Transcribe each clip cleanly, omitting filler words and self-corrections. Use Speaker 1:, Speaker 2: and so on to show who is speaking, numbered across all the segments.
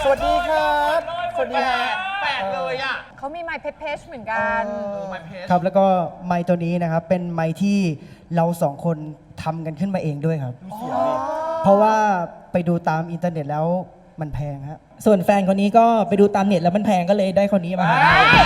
Speaker 1: สวัสดีครับสวัสดีฮะ
Speaker 2: แปลกเลยอ่ะ
Speaker 3: เขามีไมค์เพชรเหมือนกัน
Speaker 2: ไมเพจ
Speaker 4: ครับแล้วก็ไมค์ตัวนี้นะครับเป็นไมค์ที่เราสองคนทำกันขึ้นมาเองด้วยครับเพราะว่าไปดูตามอินเทอร์เน็ตแล้วมันแพงฮะ
Speaker 5: ส่วนแฟนคนนี้ก็ไปดูตามเน็ตแล้วมันแพงก็เลยได้คนนี้มาหา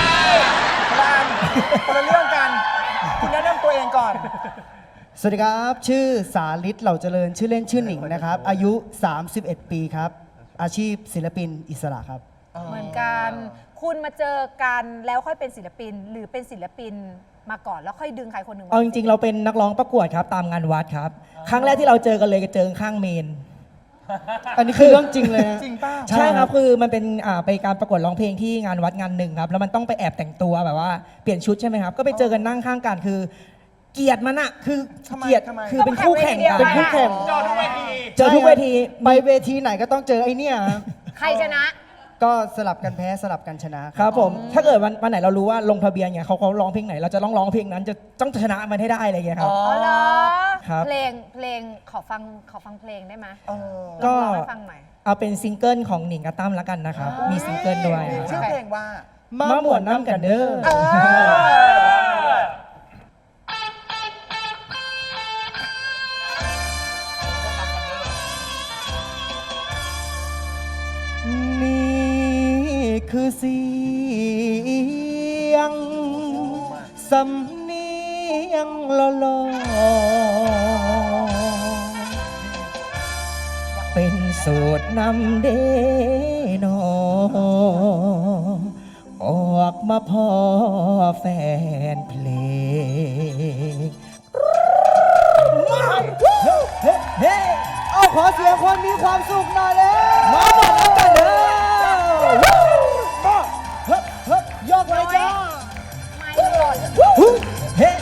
Speaker 1: คนละเรื่องกัน คุณแนะนำตัวเองก่อน
Speaker 4: สวัสดีครับชื่อสาลิศเหล่าเจริญชื่อเล่นชื่อหนิงนะครับอายุ 31 ปีครับอาชีพศิลปินอิสระครับ
Speaker 3: เหมือนกัน คุณมาเจอกันแล้วค่อยเป็นศิลปิน หรือเป็นศิลปินมาก่อนแล้วค่อยดึงใครคนหนึ่ง
Speaker 5: เอาจริงๆเราเป็นนักร้องประกวดครับตามงานวัดครับครั้งแรกที่เราเจอกันเลยก็เจอข้างเมน
Speaker 4: อันนี้คือเรื่องจริงเลยฮะ
Speaker 1: จริงป่ะ
Speaker 5: ใช่ครับคือมันเป็นไปการประกวดร้องเพลงที่งานวัดงานหนึ่งครับแล้วมันต้องไปแอบแต่งตัวแบบว่าเปลี่ยนชุดใช่ไหมครับก็ไปเจอกันนั่งข้างกันคือเกลียดมันอะคือ
Speaker 1: ทำไม
Speaker 5: เกลียด
Speaker 1: ทำไม
Speaker 5: คือเป็นคู่แข่งกัน
Speaker 4: เป็นคู่แข่ง
Speaker 2: จอทุกเวที
Speaker 5: เจอทุกเวที
Speaker 4: ไปเวทีไหนก็ต้องเจอไอ้เนี่ยครับ
Speaker 3: ใครชนะ
Speaker 4: ก็สลับกันแพ้สลับกันชนะ
Speaker 5: ครับผมถ้าเกิดวันไหนเรารู้ว่าลงทะเบียนเนี่ยเขาร้องเพลงไหนเราจะร้องเพลงนั้นจะต้องชนะมันให้ได้อะไรอย่างเงี้ยครับ
Speaker 3: อ๋อเหรอ
Speaker 5: ครับ
Speaker 3: เพลงขอฟังเพลงได้ไหม
Speaker 5: ก็
Speaker 3: ลองให้ฟังหน่อย
Speaker 5: เอาเป็นซิงเกิลของหนิงกับตั้มแล้วกันนะครับมีซิงเกิลด้วยครับ
Speaker 1: ชื่อเพลงว่า
Speaker 5: มาหมวนน้ำกันเด้อ
Speaker 4: นี่คือเสียงสำเนียงลอๆเป็นสูตรนำเดนอออกมาพ่อแฟนเพลงเฮ้เอาขอเสียงคนมีความสุขหน่อยเลยมาหมดแล้วกันเด้อยกเลยจ้า
Speaker 3: ไม่หล่น
Speaker 4: เฮ้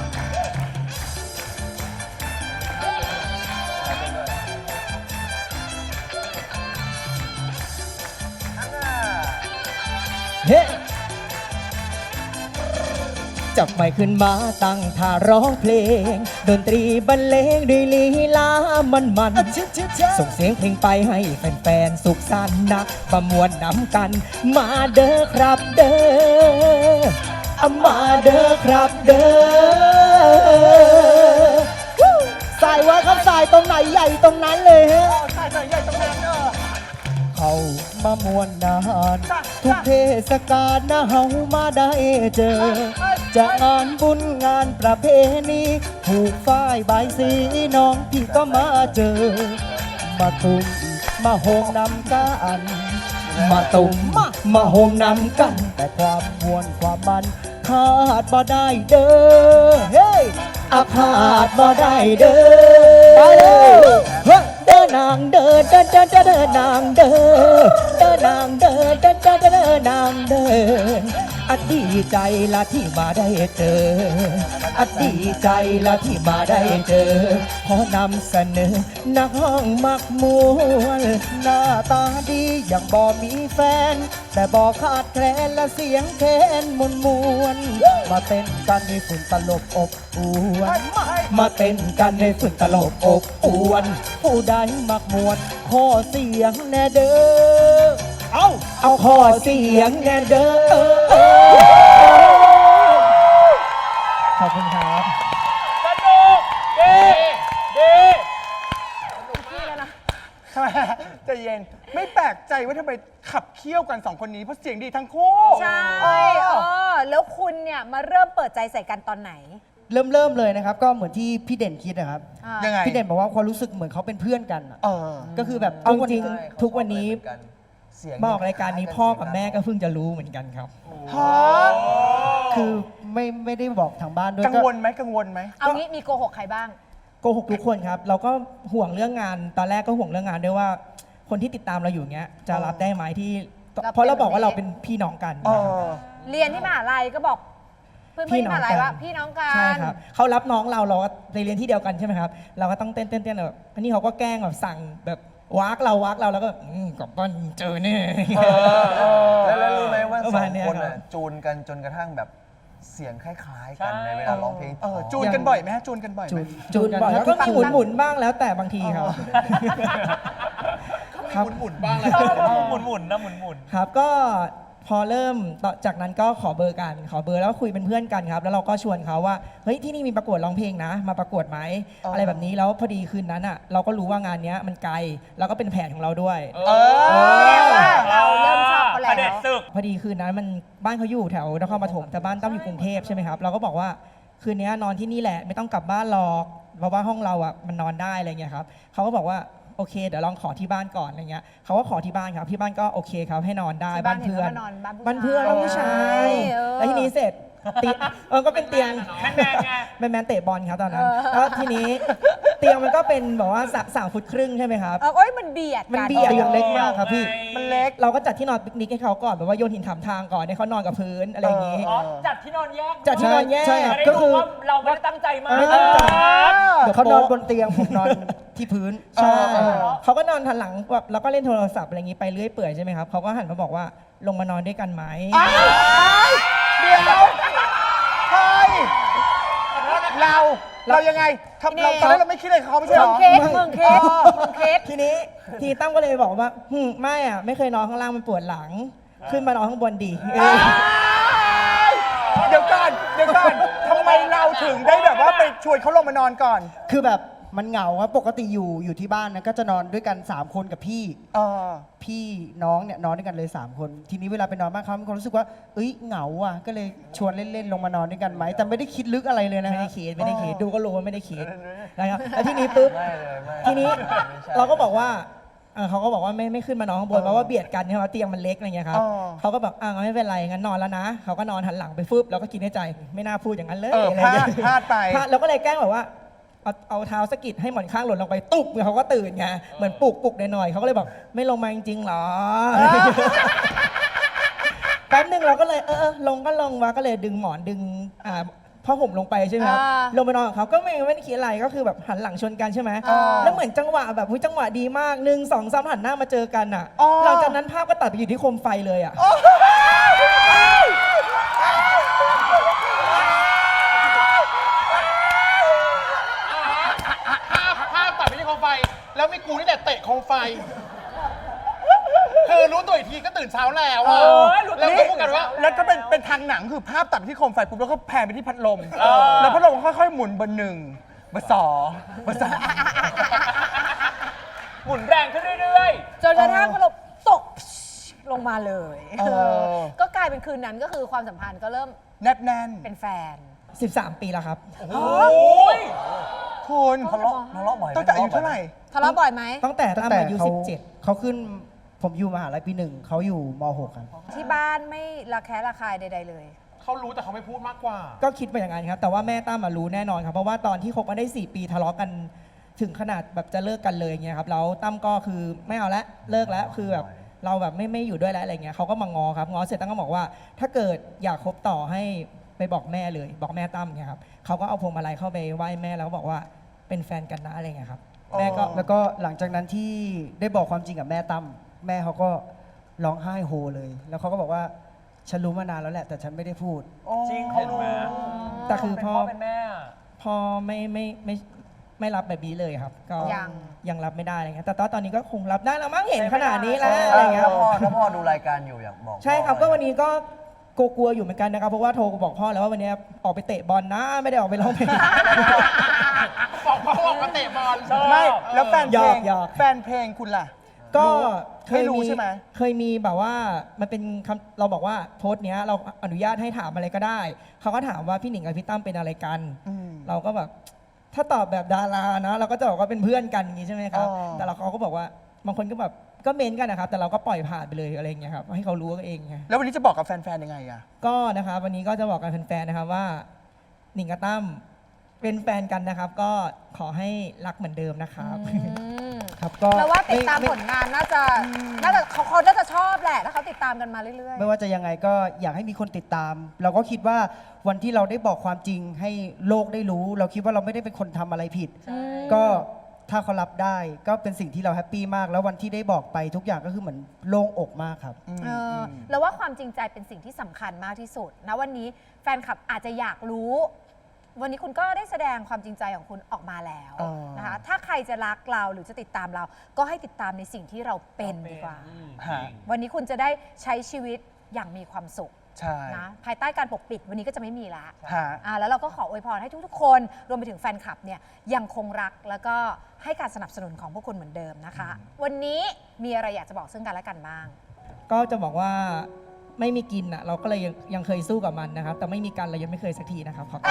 Speaker 4: เฮ้จับไมค์ขึ้นมาตั้งท่าร้องเพลงดนตรีบรรเลงด้วยลีลามันส่งเสียงเพลงไปให้แฟนๆสุขสันต์นะประมวลนำกัน มาเด้อครับเด้อมาเด้อครับเด้อสายว่าครับสายตรงไหนใหญ่ตรงนั้นเลยฮะ
Speaker 1: ใช่ใหญ่ตรงนั้นเนอะ
Speaker 4: เขามามวนนานทุกเทศกาลนะเฮามาได้เจอ จะงานบุญงานประเพณีผูกฝ้ายใบายสีน้องพี่ก็มาเจอ มาตุ่มมาโฮมนำกันมาตุ่มมาโฮมนำกัน แต่ความมวนความมันขาดบ่ได้เด้อเฮ้ยอาขาดบ่ได้เด้อไปเลยเฮ้ยเด้อนางเด้อเด้อเด้อเด้อเด้อนางเด้อเด้อนางเด้อเด้อเด้อเด้อนางเด้ออดีใจละที่มาได้เจออดีใจละที่มาได้เจอขอนำเสนอนักห้องมักมวนหน้าตาดีอย่างบ่มีแฟน แต่บ่ขาดแคลนและเสียงแคนมวนมาเต้นกันให้ฝุ่นตลบอบอวนมาเต้นกันให้ฝุ่นตลบอบอวนผู้ใดมักมวนขอเสียงแน่เด้อเอาขอเสียงแน่เด้อขอบคุณครับ
Speaker 2: สนุกดีดี
Speaker 1: ทำไมใจเย็น ไม่แปลกใจว่าทำไมขับเคี่ยวกันสองคนนี้ เพราะเสียงดีทั้งคู่
Speaker 3: ใช่แล้วคุณเนี่ยมาเริ่มเปิดใจใส่กันตอนไหน
Speaker 4: เริ่มเลยนะครับ ก็เหมือนที่พี่เด่นคิดนะครับ
Speaker 1: ยังไง
Speaker 4: พี่เด่นบอกว่าความรู้สึกเหมือนเขาเป็นเพื่อนกันอะ
Speaker 1: เออ
Speaker 4: ก็คือแบบ
Speaker 5: เอาจริง
Speaker 4: ทุกวันนี้
Speaker 5: ทุกวันนี้มาออกรายการนี้พ่อกับแม่ก็เพิ่งจะรู้เหมือนกันครับ
Speaker 1: ฮะ
Speaker 4: คือไม่ได้บอกทางบ้านด้วย
Speaker 1: กังวลไหมกังวลไหม
Speaker 3: เอางี้มีโกหกใครบ้าง
Speaker 5: โกหกทุกคนครับ เราก็ห่วงเรื่องงานตอนแรกก็ห่วงเรื่องงานด้วยว่า คนที่ติดตามเราอยู่เงี้ยจะรับได้ไหมที่
Speaker 3: รับ
Speaker 5: เพราะเราบอก
Speaker 3: เป็น
Speaker 5: ว่าเราเป็นพี่น้องกัน
Speaker 1: เอ
Speaker 5: นะครับ
Speaker 1: อ
Speaker 3: เรียนที่มหาลัยก็บอกเพื่อนๆที่มหาลัยว่าพี่น้องกัน
Speaker 5: ใช่ครับเขารับน้องเราก็ไปเรียนที่เดียวกันใช่ไหมครับเราก็ต้องเต้นแบบอันนี้เขาก็แกล้งแบบสั่งแบบวากเราแล้วก็กลับบ้านเจอแน่
Speaker 6: แล้วรู้ไหมว่า
Speaker 5: ประ
Speaker 6: ส
Speaker 5: มา
Speaker 6: อ
Speaker 5: ณ
Speaker 6: ง
Speaker 5: เนี้ย
Speaker 6: คน
Speaker 5: ครับ
Speaker 6: น่ะจูนกันจนกระทั่งแบบเสียงคล้ายๆกันในเวลาร้องเพลง
Speaker 1: จูนกันบ่อยไหมฮะจูนกันบ่อยไหม
Speaker 5: จูนบ่อยแล้วก็หมุนบ้างแล้วแต่บางทีครับ
Speaker 3: ม
Speaker 5: ครับ
Speaker 2: หมุนๆบ้างเลยหมุนๆนะหมุน
Speaker 5: ครับก็พอเริ่มต่อจากนั้นก็ขอเบอร์กันขอเบอร์แล้วคุยเป็นเพื่อนกันครับแล้วเราก็ชวนเขาว่าเฮ้ยที่นี่มีประกวดร้องเพลงนะมาประกวดไหมอะไรแบบนี้แล้วพอดีคืนนั้นอ่ะเราก็รู้ว่างานเนี้ยมันไกลแล้วก็เป็นแผนของเราด้วย
Speaker 3: เราเริ่มชอบเขา
Speaker 2: ๆ
Speaker 3: แล้ว
Speaker 2: เด็ดศึก
Speaker 5: พอดีคืนนั้นมันบ้านเขาอยู่แถวนครปฐมแต่บ้านตั้มอยู่กรุงเทพใช่ไหมครับเราก็บอกว่าคืนนี้นอนที่นี่แหละไม่ต้องกลับบ้านหรอกเพราะว่าห้องเราอ่ะมันนอนได้อะไรเงี้ยครับเขาก็บอกว่าโอเคเดี๋ยวลองขอที่บ้านก่อนอะไรเงี้ยเขาก็ขอที่บ้านครับที่บ้านก็โอเคครับให้นอนได้
Speaker 3: ที่
Speaker 5: บ้านเพื่อน
Speaker 3: ห็ว่านบ้าน
Speaker 5: บ้านเพื่อนบ้านผู้ชาย
Speaker 3: เออ
Speaker 5: แล้วทีนี้เสร็จก็เป็นเตียง
Speaker 2: แมนๆไง
Speaker 5: แมนเตะบอลครับตอนนั้นแล้วทีนี้เตียงมันก็เป็นแบบว่า3 ฟุตครึ่งใช่ไหมครับ
Speaker 3: โอ้ยมันเบียด
Speaker 5: มัน
Speaker 3: กัน
Speaker 5: เบียด
Speaker 6: เตียงเล็กมากครับพี่
Speaker 1: มันเล็ก
Speaker 5: เราก็จัดที่นอนปิกนิกให้เขาก่อนแบบว่าโยนหินถามทางก่อนให้เขานอนกับพื้นอะไรอย่างงี้
Speaker 2: อ๋อจัดที่นอนแยก
Speaker 5: จัดที่นอนแยก
Speaker 6: ใช่ครับ
Speaker 2: ไม่ได้
Speaker 6: ก็คือ
Speaker 2: ดูว่าเราไม่ได้ตั้งใจมา
Speaker 5: ไม่ตั้งใจ
Speaker 6: เดี๋ยวเขานอนบนเตียงผมนอนที่พื้น
Speaker 5: ใช่เขาก็นอนทันหลังแบบแล้วก็เล่นโทรศัพท์อะไรอย่างงี้ไปเรื่อยเปื่อยใช่ไหมครับเขาก็หันมาบอกว่าลงมานอนด้วยกันไหม
Speaker 1: เดี๋ยวเฮ้ยเรายังไงทำเราตอนแรกเราไม่คิดอะไรกับเขาไม่ใช่เหรอ
Speaker 3: เค้กเมืองเค้กเมืองเค้ก
Speaker 5: ทีนี้ทีตั้มก็เลยบอกว่าไม่อ่ะไม่เคยนอนข้างล่างมันปวดหลัง ขึ้นมานอนข้างบนดีเออ
Speaker 1: เดี๋ยวก่อนทำไมเราถึงได้แบบว่าไปชวนเขาลงมานอนก่อน
Speaker 6: คือแบบมันเหงาครับปกติอยู่ที่บ้านนะก็จะนอนด้วยกัน 3 คนกับพี่ พี่น้องเนี่ยนอนด้วยกันเลย 3 คน ทีนี้เวลาไปนอนบ้านเขามีความรู้สึกว่าเอ้ยเหงาอ่ะก็เลยชวนเล่นๆลงมานอนด้วยกันไหมแต่ไม่ได้คิดลึกอะไรเลยนะ
Speaker 5: ไม่
Speaker 6: ฮะ
Speaker 5: ได้คิดดูก็รู้ว่าไม่ได้คิดนะครับแล้วทีนี้ปุ๊บทีนี้เราก็บอกว่าเขาก็บอกว่าไม่ขึ้นมานอนข้างบนเพราะว่าเบียดกันใช่ไหมเตียงมันเล็กอะไรเงี้ยครับเขาก็แบบงั้นไม่เป็นไรงั้นนอนแล้วนะเขาก็นอนหันหลังไปฟึบแล้วก็คิดในใจไม่น่าพูดอย่างนั้นเลยอะไรเงี้ย
Speaker 1: พลาดไป
Speaker 5: แล้วก็เลยแกล้งแบบว่าเอาเท้าสะกิดให้หมอนข้างหล่นลงไปตุ๊บเขาก็ตื่นไงเหมือนปลุกหน่อยๆเขาก็เลยบอกไม่ลงมาจริงๆหรอ แป๊บนึงเราก็เลยลงก็ลงวะก็เลยดึงหมอนดึงผ้าห่มลงไปใช่ไหมครับลงไปนอนกับเขาก็ไม่ได้คิดอะไรก็คือแบบหันหลังชนกันใช่ไหมแล้วเหมือนจังหวะแบบจังหวะดีมาก1 2 3หันหน้ามาเจอกันอ่ะหลังจากนั้นภาพก็ตัดไปอยู่ที่โคมไฟเลยอ่ะ
Speaker 2: ภาพตัดไปที่โคมไฟ แล้วมีกูนี่แหละเตะโคมไฟ คือรู้ตัวอีกทีก็ตื่นเช้าแล้วอะแล้วก็พูดกันว่า
Speaker 1: แล้วก็เป็นทางหนังคือภาพตัดไปที่โคมไฟปุ๊บแล้วก็แพนไปที่พัดลม แล้วพัดลมก็ค่อยๆหมุนเบอร์ 1 เบอร์ 2 เบอร์
Speaker 2: หมุนแรงขึ้นเรื่อย
Speaker 3: จนกระทั่งเราตกลงมาเลย
Speaker 1: เออ
Speaker 3: ก็กลายเป็นคืนนั้นก็คือความสัมพันธ์ก็เริ่ม
Speaker 1: 3แนบ
Speaker 3: เป็นแฟน
Speaker 5: 13 ปีแล้วครับ
Speaker 2: ๆ โอ้ย
Speaker 1: ๆคุณ
Speaker 6: ทะเลาะบ่อย
Speaker 1: ตั้งแต่อายุเท่าไหร่
Speaker 3: ทะเลาะบ่อยไหม
Speaker 5: ตั้งแต่
Speaker 6: ตั้
Speaker 5: ตั้
Speaker 6: ง
Speaker 5: ม
Speaker 6: แต่
Speaker 5: อายุ
Speaker 6: เขาขึ้นผมอยู่มหาลัยปี 1เขาอยู่ม .6 ครับ
Speaker 3: ที่บ้านไม่ระแคะระคายใดๆเลย
Speaker 2: เขารู้แต่เขาไม่พูดมากกว่า
Speaker 5: 17 ก็คิดไปอย่างนั้นครับ แต่ว่าแม่ตั้มรู้แน่นอนครับ เพราะว่าตอนที่คบกันได้ 4 ปีทะเลาะกันถึงขนาดแบบจะเลิกกันเลยเงี้ยครับแล้วตั้มก็คือไม่เอาละเลิกแล้วคือแบบเราแบบไม่อยู่ด้วยแล้วอะไรเงี้ยเขาก็มางอครับงอเสร็จตั้มก็บอกว่า ถ้าเกิดอยากคบต่อให้ไปบอกแม่เลย บอกแม่ตั้มเงี้ยครับเขาก็เอาพวงมาลัยเข้าไปไหว้แม่แล้วก็บอกว่าเป็นแฟนกันนะอะไรเงี้ยครับแม่ก็
Speaker 6: แล้วก็หลังจากนั้นที่ได้บอกความจริงกับแม่ตั้มแม่เขาก็ร้องไห้โฮเลย แล้วเขาก็บอกว่าฉันรู้มานานแล้วแหละแต่ฉันไม่ได้พูด
Speaker 2: จริงเขารู้
Speaker 5: แต่คือ
Speaker 2: เป็น
Speaker 5: พ่อ
Speaker 2: พ่อเป็นแม่อะ
Speaker 5: พ่อไม่รับแบบนี้เลยครับ ก็
Speaker 3: ยัง
Speaker 5: รับไม่ได้อะไรเงี้ยแต่ตอนนี้ก็คงรับได้แล้วมั้งเห็นขนาดนี้แล้วอะไรเงี้ย
Speaker 6: ถ้าพ่อดูรายการอยู่อยากบอก
Speaker 5: ใช่ครับก็วันนี้ก็กลัวๆอยู่เหมือนกันนะครับเพราะว่าโทรบอกพ่อแล้วว่าวันนี้ออกไปเตะบอลนะไม่ได้ออกไปร้องเพลง
Speaker 2: บอกพ่อบอกมาเตะบอล
Speaker 1: ไม่แล้วแฟนเพลง
Speaker 5: หยอก
Speaker 1: แฟนเพลงคุณล่ะ
Speaker 5: ก็
Speaker 1: ไม่รู้ใช่ไหม
Speaker 5: เคยมีแบบว่ามันเป็นคำเราบอกว่าโพสต์เนี้ยเราอนุญาตให้ถามอะไรก็ได้เขาก็ถามว่าพี่หนิงกับพี่ตั้มเป็นอะไรกัน เราก็แบบถ้าตอบแบบดารานะเราก็จะบอกว่าเป็นเพื่อนกันอย่างนี้ใช่ไหมครับ แต่เขาก็บอกว่าบางคนก็แบบก็เมนกันนะครับแต่เราก็ปล่อยผ่านไปเลยอะไรอย่างเงี้ยครับให้เขารู้กันเองไง
Speaker 1: แล้ววันนี้จะบอกกับแฟนๆยังไงอะ
Speaker 5: ก็นะครับวันนี้ก็จะบอกกับแฟนๆนะครับว่าหนิงกับตั้มเป็นแฟนกันนะครับ ก็ขอให้รักเหมือนเดิมนะครับ
Speaker 6: ครับก็
Speaker 3: แล้วว่าติดตาม
Speaker 6: ไ
Speaker 3: ผลงานน่าจะเขาน่าจะชอบแหละถ้าเขาติดตามกันมาเรื่อย
Speaker 6: ไม่ว่าจะยังไงก็อยากให้มีคนติดตาม เราก็คิดว่าวันที่เราได้บอกความจริงให้โลกได้รู้ เราคิดว่าเราไม่ได้เป็นคนทำอะไรผิด ก็ถ้าเขารับได้ก็เป็นสิ่งที่เราแฮปปี้มาก แล้ววันที่ได้บอกไปทุกอย่างก็คือเหมือนโล่งอกมากครับ
Speaker 3: แล้วว่าความจริงใจเป็นสิ่งที่สำคัญมากที่สุดนะวันนี้แฟนคลับอาจจะอยากรู้วันนี้คุณก็ได้แสดงความจริงใจของคุณออกมาแล้ว
Speaker 1: อ๋อ
Speaker 3: นะคะถ้าใครจะรักเราหรือจะติดตามเรา ก็ให้ติดตามในสิ่งที่เราเป็นดีกว่า
Speaker 1: ฮะ
Speaker 3: วันนี้คุณจะได้ใช้ชีวิตอย่างมีความสุข
Speaker 1: ใช่
Speaker 3: นะภายใต้การปกปิดวันนี้ก็จะไม่มีละ
Speaker 1: ฮะ
Speaker 3: แล้วเราก็ขออวยพรให้ทุกๆ คนรวมไปถึงแฟนคลับเนี่ยยังคงรักแล้วก็ให้การสนับสนุนของพวกคุณเหมือนเดิมนะคะ วันนี้มีอะไรอยากจะบอกซึ่งกันและกันบ้าง
Speaker 5: ก็จะบอกว่าไม่มีกินอ่ะเราก็เลยยังเคยสู้กับมันนะครับ แต่ไม่มีกันเรายังไม่เคยสักทีนะครับขอบคุณ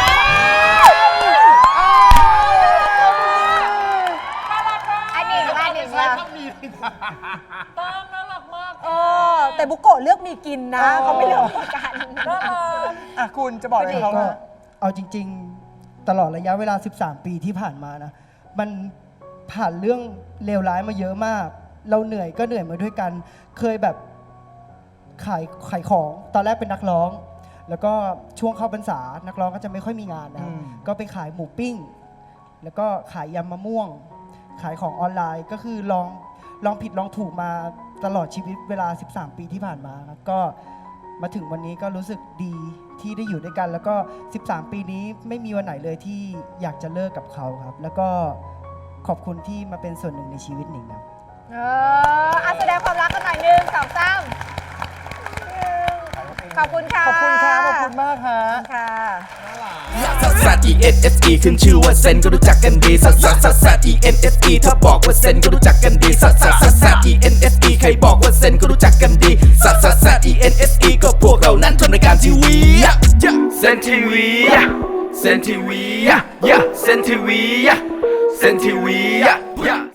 Speaker 3: อันนี้อันนี้
Speaker 2: ใช้คำนี้ตั้มน่ารักมาก
Speaker 3: แต่บุโกะเลือกมีกินนะเขาไม่เลือกมีกัน
Speaker 1: อ่ะคุณจะบอกอะไรเขา
Speaker 6: ก็
Speaker 1: ฮะ
Speaker 6: เอาจริง ๆ ตลอดระยะเวลา 13 ปีที่ผ่านมานะ มันผ่านเรื่องเลวร้ายมาเยอะมาก เราเหนื่อยก็เหนื่อยมาด้วยกัน เคยแบบขายของ ตอนแรกเป็นนักร้อง แล้วก็ช่วงเข้าพรรษา นักร้องก็จะไม่ค่อยมีงานนะครับ ก็ไปขายหมูปิ้ง แล้วก็ขายยำมะม่วง ขายของออนไลน์ ก็คือลองผิดลองถูกมาตลอดชีวิตเวลา 13 ปีที่ผ่านมาครับก็มาถึงวันนี้ก็รู้สึกดีที่ได้อยู่ด้วยกัน แล้วก็ 13 ปีนี้ไม่มีวันไหนเลยที่อยากจะเลิกกับเขาครับ แล้วก็ขอบคุณที่มาเป็นส่วนหนึ่งในชีวิตหนิงครับ
Speaker 3: แสดงความรักกันหน่อย1 2 3ขอบคุณค่ะ
Speaker 1: ขอบคุณครับขอบคุณมากฮะ
Speaker 3: ค่ะ
Speaker 7: ซัสซัส E N S E ขึ้นชื่อว่าเซนก็รู้จักกันดีซัสซัสซัสซัส E N S E ถ้าบอกว่าเซนก็รู้จักกันดีซัสซัสซัสซัส E N S E ใครบอกว่าเซนก็รู้จักกันดีซัสซัสซัส E N S E ก็พวกเรานั้นทำรายการทีวีเซนทีวีเซนทีวีเซนทีวีเซนทีวี